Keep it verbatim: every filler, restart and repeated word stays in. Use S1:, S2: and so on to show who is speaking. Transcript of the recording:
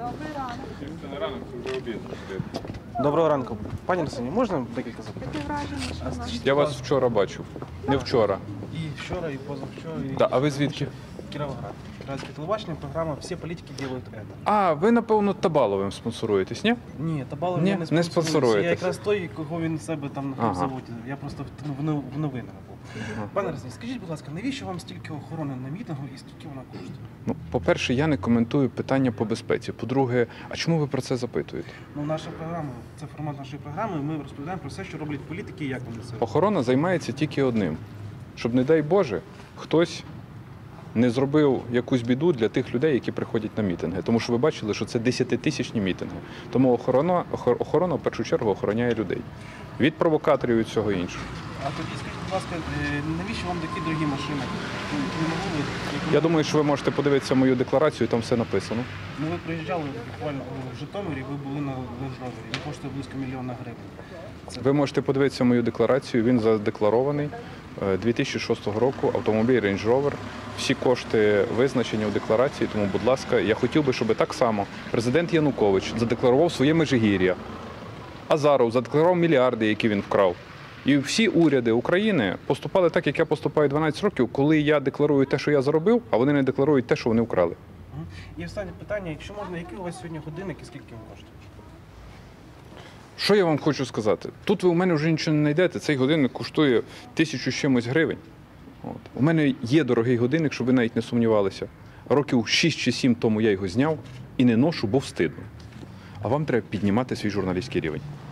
S1: Добрий ранок.
S2: Це не ранок, це вже обід.
S3: Доброго ранку. Пані Арсені, можна декілька запитань?
S1: Таке враження, що нас...
S2: Я вас вчора бачив. Не вчора.
S3: І вчора, і позавчора, і...
S2: Да, а ви звідки?
S3: Кіровоград. Кіровоградське телебачення, програма «Всі політики роблять це».
S2: А, ви, напевно, Табаловим спонсоруєтесь, ні?
S3: Ні, Табалов
S2: Ні,
S3: не
S2: не
S3: спонсорується.
S2: спонсоруєтесь.
S3: Я якраз той, кого він себе там на
S2: Ага.
S3: заводі. Я просто в, в, в новинах був.
S2: Ага.
S3: Пане Арсені, скажіть, будь ласка, навіщо вам стільки охорони на мітингу і скільки вона коштує?
S2: Ну, по-перше, я не коментую питання по безпеці. По-друге, а чому ви про це запитуєте?
S3: Ну, наша програма, це формат нашої програми, ми розповідаємо про все, що роблять політики і як вони це.
S2: Охорона займається тільки одним. Щоб, не дай Боже, хтось не зробив якусь біду для тих людей, які приходять на мітинги. Тому що ви бачили, що це десятитисячні мітинги. Тому охорона, охор- охорона в першу чергу охороняє людей. Від провокаторів і від всього іншого.
S3: А тоді скажіть, будь ласка, е, навіщо вам такі дорогі машини? Ви не могли ви- як ви-
S2: Я думаю, що ви можете подивитися мою декларацію, там все написано.
S3: Ну, ви приїжджали буквально в Житомирі, ви були на Land Rover. Він коштує близько мільйона гривень. Це...
S2: Ви можете подивитися мою декларацію, він задекларований. дві тисячі шостого року автомобіль Range Rover. Всі кошти визначені у декларації, тому, будь ласка, я хотів би, щоб так само президент Янукович задекларував своє Межигір'я. Азаров задекларував мільярди, які він вкрав. І всі уряди України поступали так, як я поступаю дванадцять років, коли я декларую те, що я заробив, а вони не декларують те, що вони вкрали.
S3: Мгм. І останнє питання, якщо можна, який у вас сьогодні годинник і скільки він коштує?
S2: Що я вам хочу сказати? Тут ви у мене вже нічого не знайдете. Цей годинник коштує тисячу з чимось гривень. От. У мене є дорогий годинник, щоб ви навіть не сумнівалися. Років шість чи сім тому я його зняв і не ношу, бо встидно. А вам треба піднімати свій журналістський рівень.